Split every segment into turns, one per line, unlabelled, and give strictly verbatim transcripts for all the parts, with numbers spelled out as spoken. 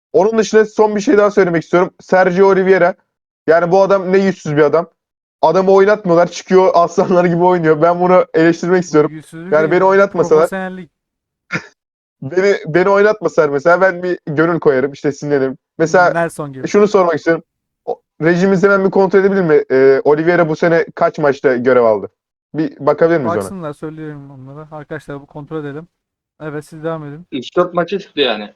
Onun dışında son bir şey daha söylemek istiyorum. Sergio Oliveira. Yani bu adam ne yüzsüz bir adam. Adamı oynatmıyorlar. Çıkıyor aslanlar gibi oynuyor. Ben bunu eleştirmek
Bu
istiyorum.
yüzsüzlük
Yani
değil.
beni oynatmasalar,
Profesyonellik.
beni beni oynatmasalar mesela ben bir gönül koyarım. İşte sinirlenirim. Mesela
Nelson gibi.
şunu sormak istiyorum. O- Rejimiz hemen bir kontrol edebilir mi? Ee, Oliveira bu sene kaç maçta görev aldı? Bir bakabilir miyiz ona?
Baksınlar, söylüyorum onlara. Arkadaşlar bu kontrol edelim. Evet, siz devam edin.
üç dört maça çıktı yani.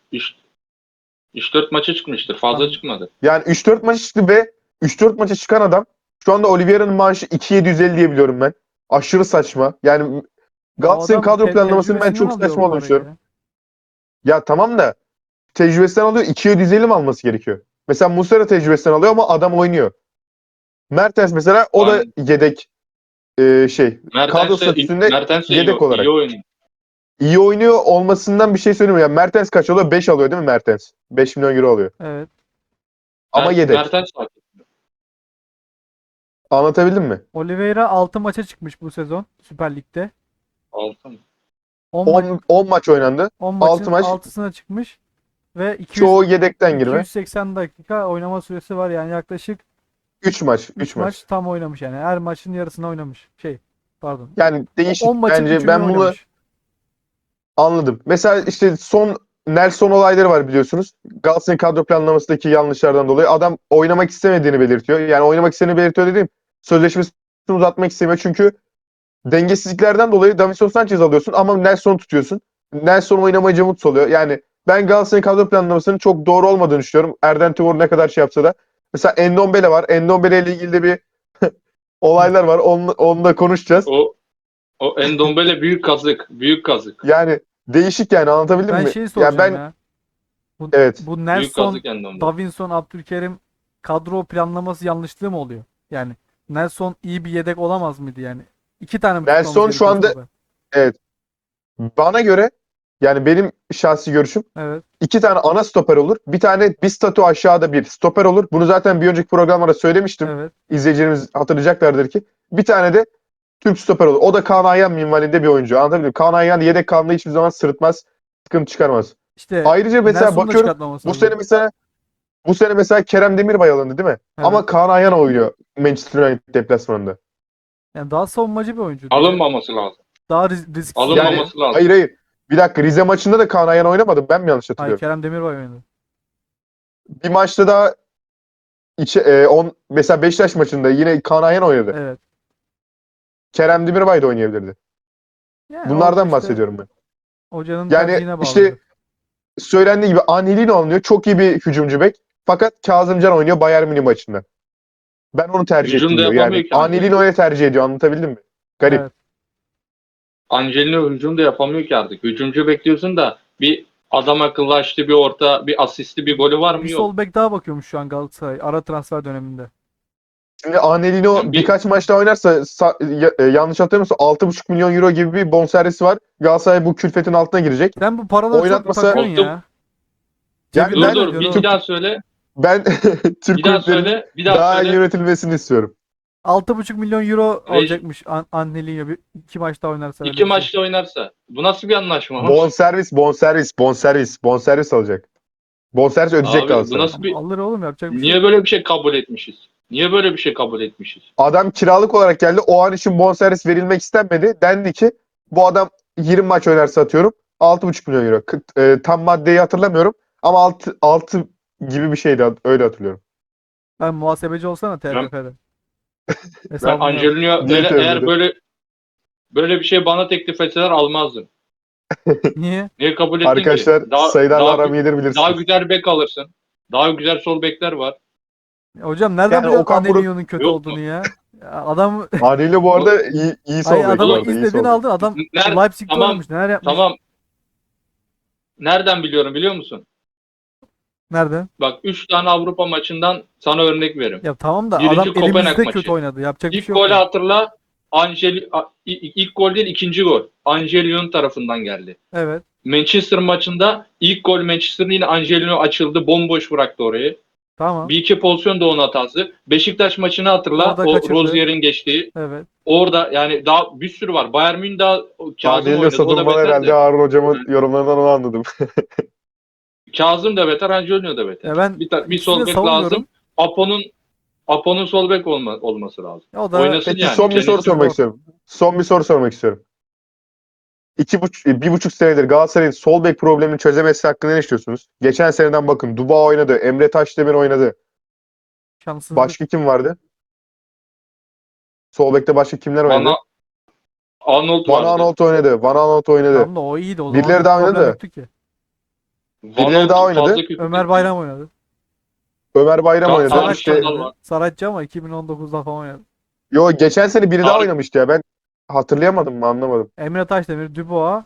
üç dört maça çıkmıştır. Fazla
Tam
çıkmadı.
Yani üç dört maça çıktı ve üç dört maça çıkan adam şu anda Oliveira'nın maaşı iki bin yedi yüz elli diye biliyorum ben. Aşırı saçma. Yani
ya o
Galatasaray'ın
adam
kadro
te-
planlamasının ben
tecrübesinden
çok
alıyor
saçma
o
olduğunu
parayı
düşünüyorum.
ya.
Ya tamam da tecrübesinden alıyor, iki bin yedi yüz elli mi alması gerekiyor? Mesela Muslera tecrübesinden alıyor ama adam oynuyor. Mertens mesela o da
Yani
yedek e, şey kadro
Mertens de,
statüsünde
Mertens de iyi,
yedek
iyi
olarak.
oynuyor.
İyi oynuyor olmasından bir şey söylemiyorum. Yani Mertens kaç alıyor? beş alıyor değil mi Mertens? beş milyon euro alıyor.
Evet.
Ama
Mer
yedek.
Mertens var.
Anlatabildim mi?
Oliveira altı maça çıkmış bu sezon Süper Lig'de.
Altı mı?
on maç
on, on maç oynandı.
on
altı
maçın
maç.
altısına çıkmış ve iki yüz
Çoğu yedekten girme.
iki yüz seksen dakika oynama süresi var, yani yaklaşık
üç maç. üç
üç
maç.
maç tam oynamış, yani her maçın yarısını oynamış. Şey, pardon.
Yani değişik.
on maçın
Bence
üçünü
ben bunu
oynamış.
anladım. Mesela işte son Nelson olayları var biliyorsunuz. Galatasaray kadro planlamasındaki yanlışlardan dolayı adam oynamak istemediğini belirtiyor. Yani oynamak istediğini belirtiyor dediğim sözleşmesini uzatmak istemiyor. Çünkü dengesizliklerden dolayı Davinson Sanchez alıyorsun ama Nelson'u tutuyorsun. Nelson oynamayınca mutsuz oluyor. Yani ben Galatasaray kadro planlamasının çok doğru olmadığını düşünüyorum. Erden Timur ne kadar şey yapsa da. Mesela Endombele var. Endombele ile ilgili de bir olaylar var. Onu, onu da konuşacağız.
O o Endombele büyük kazık. Büyük kazık.
Yani değişik yani anlatabildim
Ben
mi?
şeyi
Yani
soracağım
ben
ya. Bu,
evet
bu
Büyük
Nelson,
kazık Endombele.
Davinson, Abdülkerim kadro planlaması yanlışlığı mı oluyor? Yani Nelson iyi bir yedek olamaz mıydı yani? İki tane mi tutmamız
Nelson şu
gerekiyor
anda
stoper?
evet bana göre yani benim şahsi görüşüm
Evet.
iki tane ana stoper olur. Bir tane bir statü aşağıda bir stoper olur. Bunu zaten bir önceki programlarda söylemiştim.
Evet.
İzleyicilerimiz hatırlayacaklardır ki. Bir tane de Türk stoper olur. O da Kaan Ayhan minvalinde bir oyuncu. Anlatabildim mi? Kaan Ayhan yedek kalmayı hiçbir zaman sırıtmaz. Sıkıntı çıkarmaz.
İşte
Ayrıca mesela
Nelson'u da
bakıyorum
çıkartmamız
bu sene
lazım.
mesela bu sene mesela Kerem Demirbay alındı değil mi?
Evet.
Ama Kaan Ayhan oynuyor Manchester United deplasmanında.
Yani daha savunmacı bir oyuncuydu ya.
Alınmaması lazım.
Daha risk- risksiz
Yani
oynuyor.
Alınmaması lazım.
hayır hayır. Bir dakika Rize maçında da Kaan Ayhan oynamadı. Ben mi yanlış
Hayır,
hatırlıyorum?
Kerem Demirbay oynadı.
Bir maçta daha içe, e, on, mesela Beşiktaş maçında yine Kaan Ayhan oynadı.
Evet.
Kerem Demirbay da oynayabilirdi.
Yani o
Bunlardan
işte
bahsediyorum ben.
hocanın
Yani
tercihine
işte
bağlıdır.
söylendiği gibi Angelino alınıyor. Çok iyi bir hücumcu bek. Fakat Kazımcan oynuyor Bayern Münih maçında. Ben onu tercih
Hücum
ettim
da
diyor. Yani
yapamıyor ki Angelino.
Angelino'yu tercih ediyor. Anlatabildim mi? Garip.
Evet.
Angelino hücum da yapamıyor ki artık. Hücumcu bekliyorsun da bir adam akıllı açtı bir orta, bir asisti, bir golü var
Bir
mı? Yok.
sol bek daha bakıyormuş şu an Galatasaray ara transfer döneminde.
Şimdi Angelino
Yani bir
birkaç maçta oynarsa sa- ya- e, yanlış hatırlamıyorsam altı buçuk milyon euro gibi bir bonservisi var. Galatasaray bu külfetin altına girecek.
Sen bu paraları çok
Oynatmasa
takıyorsun
Oldu.
ya.
yani
Cebinden
dur
ben
dur bir,
ödüyorsun
bir
oğlum.
daha söyle.
ben Türk
Bir daha
kulüplerinin
söyle. Bir daha
daha iyi
söyle.
yönetilmesini istiyorum.
altı buçuk milyon euro
Reji,
alacakmış An Angelinho bir iki maçta oynarsa, öyle
iki
bir şey.
maçta oynarsa. Bu nasıl bir anlaşma?
Bonservis, bonservis, bonservis, bonservis alacak. Bonservis ödeyecek
Abi bu
Galatasaray.
nasıl
Ama
bir...
alır oğlum, yapacak bir şey
Niye
yok.
böyle bir şey kabul etmişiz? Niye böyle bir şey kabul etmişiz?
Adam kiralık olarak geldi. O an için bonservis verilmek istenmedi. Dendi ki bu adam yirmi maç oynarsa atıyorum altı buçuk milyon euro. K- e, tam maddeyi hatırlamıyorum ama altı, altı gibi bir şeydi. Öyle hatırlıyorum.
Ben muhasebeci olsana
Ben,
T F F'de.
ben
Hesabını yap.
Angelino
Niye
eğer, eğer
tövbe
böyle böyle bir şey bana teklif etseler almazdım.
Niye?
Niye kabul ettin ki?
Arkadaşlar
Daha
sayılarla
daha
aram iyidir
daha
bilirsiniz.
güzel bek alırsın. Daha güzel sol bekler var.
Hocam nereden
Yani
biliyorsun
Okan Buruk
Angelinho'nun kötü
Yok
olduğunu
mu?
ya? Ya adam
haliyle bu
O-
arada iyi, iyi
ay
sol bek bu
adamı
arada. iyi
istediğini
sol bek.
aldın. Adam
Ner
Leipzig'te
tamam
oynamış. Neler yapmış?
tamam. Nereden biliyorum biliyor musun?
Nereden?
Bak üç tane Avrupa maçından sana örnek veririm.
Ya tamam da adam
Birinci Kopenhag
elimizde kötü
maçı.
oynadı. Yapacak bir
İlk
şey yok
golü
yani.
hatırla. Angel a- ilk, ilk gol değil ikinci gol. Angelino tarafından geldi.
Evet.
Manchester maçında ilk gol Manchester'ın yine Angelino açıldı. Bomboş bıraktı orayı.
Tamam.
Bir iki pozisyon da onun hatası. Beşiktaş maçını hatırla.
Orada
O
kaçırdı.
Rozier'in geçtiği.
Evet.
Orada yani daha bir sürü var. Bayern Münih daha Kazım
Angelino
oynadı. O da
satılmalı
beter
herhalde
de.
Harun hocamın yorumlarından onu anladım.
Kazım da beter, Angelino da beter.
Ya ben
bir, ta- bir
ikisini de
sol bek
savunmuyorum.
lazım. Apo'nun Apo'nun sol bek olma, olması lazım.
Ya o da
Oynasın
Peki
yani.
son bir soru
Cennet
sormak
zor.
istiyorum. Son bir soru sormak istiyorum. İki buçuk, bir buçuk senedir Galatasaray'ın sol bek problemini çözemesi hakkında ne düşünüyorsunuz? Geçen seneden bakın. Duba oynadı. Emre Taşdemir oynadı.
şanssızlık.
Başka kim vardı? Sol bekte başka kimler oynadı?
Bana Arnold
Van
vardı.
Aanholt oynadı. Van Aanholt oynadı.
Tamam da o iyiydi. O zaman
Birileri
bir
daha
problem
oynadı.
yoktu ki.
Van
Birileri daha
Aanholt
oynadı.
fazla kötü
Ömer
değil.
Bayram oynadı.
Ömer Bayram
Kaan-
oynadı.
Kaan
Saratçı
İşte,
Şenol
oynadı.
var.
Saratçı ama iki bin on dokuzda falan oynadı.
yo geçen sene biri daha
Tarık-
oynamıştı ya. Ben hatırlayamadım mı anlamadım.
Emre Taşdemir, Dubois,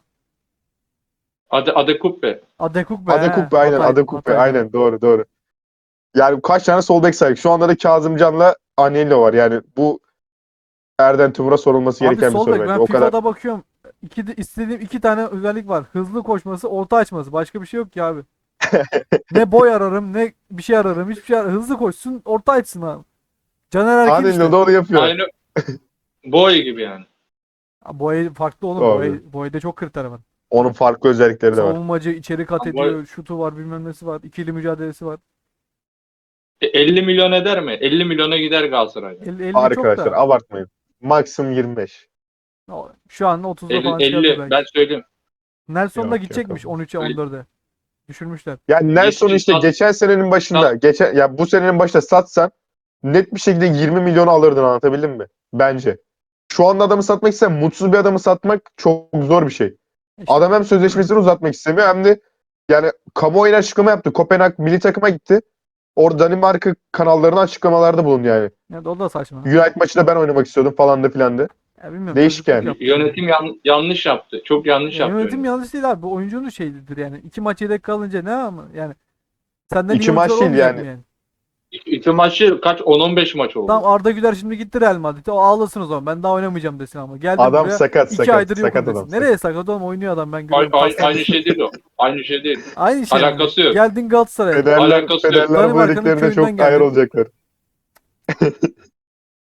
Ade, Adekupe.
Adekuk be.
Adekukbe aynen.
Hatay-
Adekukbe
Hatay'da.
aynen. Doğru doğru. Yani kaç tane sol bek saydık. Şu anda da Kazımcan'la Anello var. Yani bu Erden Timur'a sorulması
Abi
gereken bir
sol
soru
bek
bence.
ben
O kadar.
FIFA'da bakıyorum. İki, de- istediğim iki tane özellik var. Hızlı koşması, orta açması. Başka bir şey yok ki abi. Ne boy ararım, ne bir şey ararım. Hiçbir şey ararım. Hızlı koşsun, orta açsın abi. Caner Erkin
Anello
işte.
da onu yapıyor.
Aynı boy gibi yani.
Ha, Boy farklı oğlum.
Doğru.
Boy, boyda çok kriter var.
Onun farklı özellikleri de var.
Savunmacı içeri kat
Ama
ediyor. Şutu var, bilmem nesi var. İkili mücadelesi var.
E, elli milyon eder mi? elli milyona gider Galatasaray'da.
El, elli çok
Arkadaşlar
da.
abartmayın. Maksimum yirmi beş.
Şu an otuzda
elli,
falan çıkardı
elli
belki.
ben söyleyeyim.
Nelson da
Yok,
gidecekmiş
yok.
on üçe on dörde. Düşürmüşler.
Yani Nelson
Yetmiş
işte
sat-
geçen senenin başında, geçen ya bu senenin başında satsan net bir şekilde yirmi milyon alırdın, anlatabildim mi? Bence. Şu anda adamı satmak ise mutsuz bir adamı satmak çok zor bir şey.
İşte
Adam hem sözleşmesini uzatmak istemiyor hem de yani kamuoyuna açıklama yaptı. Kopenhag milli takıma gitti. Orada Danimarka kanallarına açıklamalarda bulundu yani.
ya o da saçma.
United maçında ben oynamak istiyordum falan da filan da.
Ya bilmiyorum.
Değişik
çocukluk
yani.
yaptı.
Yönetim yan- yanlış yaptı. Çok yanlış
Ya
yaptı.
yönetim
yönetim.
yanlış değil abi. Bu oyuncunun şeyidir yani. İki maç yedek kalınca ne ama yani. Senden
İki
iyi
maç
oyuncular
değil
olmayacak
yani.
mı yani?
İki, iki maçı kaç? on on beş maç oldu.
Tamam Arda Güler şimdi gitti Real Madrid'e. O ağlasın o zaman. Ben daha oynamayacağım desin ama. Geldim
Adam
buraya.
sakat
iki
sakat.
aydır yokum
Sakat
desin.
adam.
Nereye sakat oğlum? Oynuyor adam ben
Ay-
görüyorum.
ay-
Kaslar-
aynı şey değil o. Aynı şey değil.
Aynı şey.
Alakası
yani.
yok.
Geldin Galatasaray'a.
Federler,
Alakası yok.
Federler bu
Danimarka'nın
dediklerine
köyünden
çok ayar
geldi.
olacaklar.